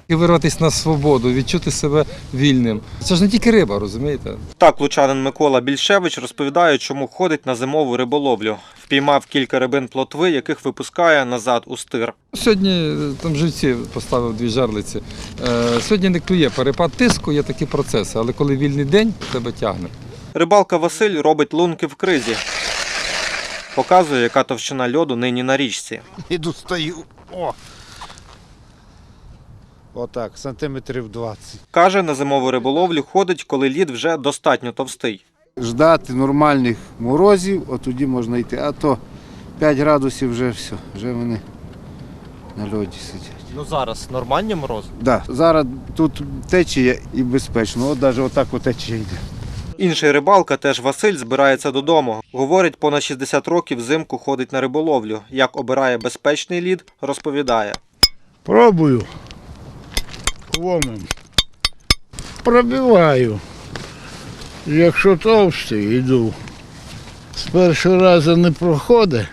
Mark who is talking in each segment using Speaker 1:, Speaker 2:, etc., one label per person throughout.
Speaker 1: І вирватися на свободу, відчути себе вільним. Це ж не тільки риба, розумієте?
Speaker 2: Так лучанин Микола Більшевич розповідає, чому ходить на зимову риболовлю. Впіймав кілька рибин плотви, яких випускає назад у стир.
Speaker 1: Сьогодні там живці поставив 2 жерлиці. Сьогодні не клює перепад тиску, є такі процеси, але коли вільний день, тебе тягне.
Speaker 2: Рибалка Василь робить лунки в кризі. Показує, яка товщина льоду нині на річці.
Speaker 3: Іду, стою. О! Отак, сантиметрів 20.
Speaker 2: Каже, на зимову риболовлю ходить, коли лід вже достатньо товстий.
Speaker 3: Ждати нормальних морозів, от тоді можна йти. А то 5 градусів вже все, вже вони на льоді сидять.
Speaker 2: Ну зараз нормальні морози?
Speaker 3: Да, зараз тут течія і безпечно, от навіть отак течія йде.
Speaker 2: Інший рибалка, теж Василь, збирається додому. Говорить, понад 60 років взимку ходить на риболовлю. Як обирає безпечний лід, розповідає.
Speaker 4: Пробую ломом. Пробиваю. Якщо товстий, йду. З першого разу не проходить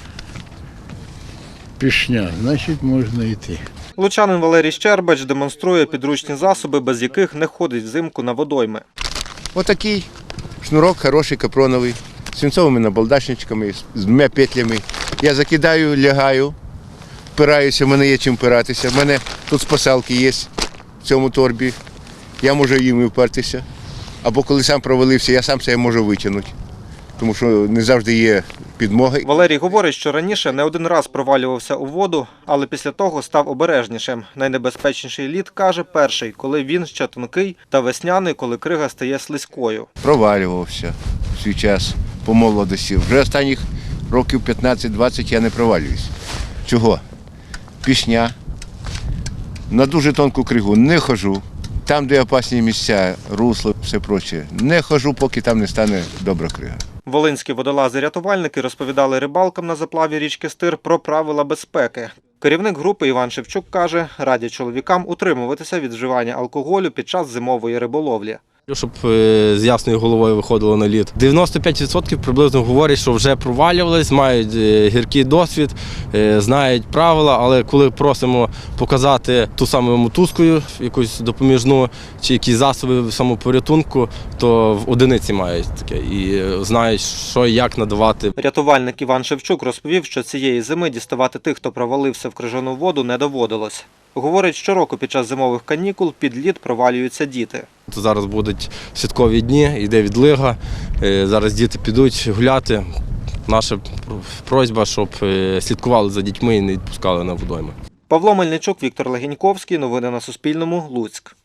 Speaker 4: пішня, значить можна йти.
Speaker 2: Лучанин Валерій Щербач демонструє підручні засоби, без яких не ходить взимку на водойми.
Speaker 5: Отакий шнурок хороший, капроновий, з свинцовими набалдашничками, з 2 петлями. Я закидаю, лягаю, впираюся, в мене є чим впиратися. В мене тут спасалки є в цьому торбі. Я можу їм впертися. Або коли сам провалився, я сам себе можу витягнути, тому що не завжди є підмога.
Speaker 2: Валерій говорить, що раніше не один раз провалювався у воду, але після того став обережнішим. Найнебезпечніший лід, каже, перший, коли він ще тонкий, та весняний, коли крига стає слизькою.
Speaker 5: Провалювався в свій час по молодості. Вже останніх років 15-20 я не провалююсь. Чого? Пішня. На дуже тонку кригу не ходжу. Там, де опасні місця, русло, все проче, не ходжу, поки там не стане добра крига.
Speaker 2: Волинські водолази-рятувальники розповідали рибалкам на заплаві річки Стир про правила безпеки. Керівник групи Іван Шевчук каже, радять чоловікам утримуватися від вживання алкоголю під час зимової риболовлі.
Speaker 6: Щоб з ясною головою виходило на лід. 95% приблизно говорять, що вже провалювались, мають гіркий досвід, знають правила, але коли просимо показати ту саму мотузкою, якусь допоміжну, чи якісь засоби самопорятунку, то в одиниці мають таке і знають, що і як надавати.
Speaker 2: Рятувальник Іван Шевчук розповів, що цієї зими діставати тих, хто провалився в крижану воду, не доводилось. Говорить, щороку під час зимових канікул під лід провалюються діти.
Speaker 6: Зараз будуть святкові дні, йде відлига, зараз діти підуть гуляти. Наша просьба, щоб слідкували за дітьми і не відпускали на водойми.
Speaker 2: Павло Мельничук, Віктор Легеньковський. Новини на Суспільному. Луцьк.